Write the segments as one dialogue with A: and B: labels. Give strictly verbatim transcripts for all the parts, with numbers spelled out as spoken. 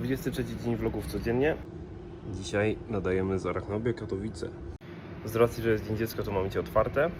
A: dwudziesty trzeci dzień vlogów codziennie. Dzisiaj nadajemy z Arachnobie, Katowice. Z racji, że jest Dzień Dziecka, to mamy Cię otwarte.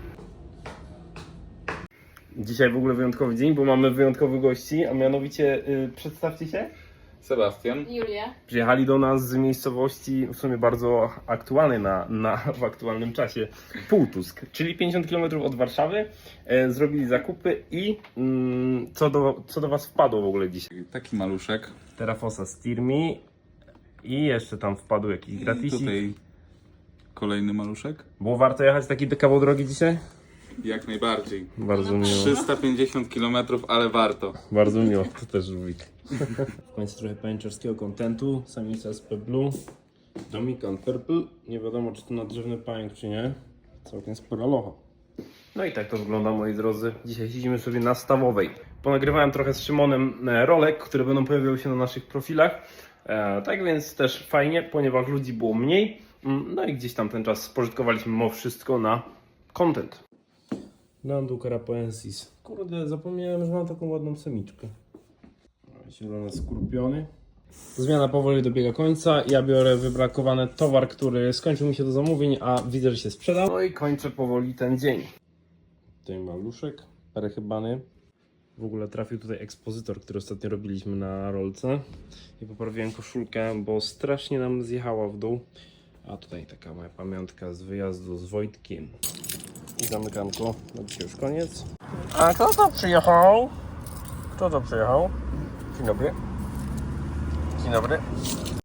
A: Dzisiaj w ogóle wyjątkowy dzień, bo mamy wyjątkowych gości, a mianowicie yy, przedstawcie się.
B: Sebastian.
C: Julia.
A: Przyjechali do nas z miejscowości w sumie bardzo aktualnej na, na, w aktualnym czasie, Półtusk, czyli pięćdziesiąt kilometrów od Warszawy. E, zrobili zakupy i mm, co, do, co do Was wpadło w ogóle dzisiaj?
B: Taki maluszek.
A: Terrafosa Stirmi i jeszcze tam wpadł jakiś
B: I
A: gratisik.
B: tutaj kolejny maluszek.
A: Było warto jechać taki kawał drogi dzisiaj?
B: Jak najbardziej.
A: Bardzo miło.
B: trzysta pięćdziesiąt kilometrów, ale warto.
A: Bardzo miło, to też lubię. W końcu trochę pajęczarskiego kontentu. Samica S P Blue, Dominican Purple. Nie wiadomo, czy to nadrzewny pająk, czy nie. Całkiem spora locha. No i tak to wygląda, moi drodzy. Dzisiaj siedzimy sobie na Stawowej. Ponagrywałem trochę z Szymonem rolek, które będą pojawiały się na naszych profilach. E, tak więc też fajnie, ponieważ ludzi było mniej. No i gdzieś tam ten czas spożytkowaliśmy mimo wszystko na content. Landu Carapoensis. Kurde, zapomniałem, że mam taką ładną semiczkę. Zielone skorpiony. Zmiana powoli dobiega końca. Ja biorę wybrakowany towar, który skończył mi się do zamówień, a widzę, że się sprzedał. No i kończę powoli ten dzień. Tutaj maluszek, parechybany. W ogóle trafił tutaj ekspozytor, który ostatnio robiliśmy na rolce. I poprawiłem koszulkę, bo strasznie nam zjechała w dół. A tutaj taka moja pamiątka z wyjazdu z Wojtkiem. I zamykanko. No dzisiaj już koniec. A kto to przyjechał? Kto to przyjechał? Dzień dobry. Dzień dobry.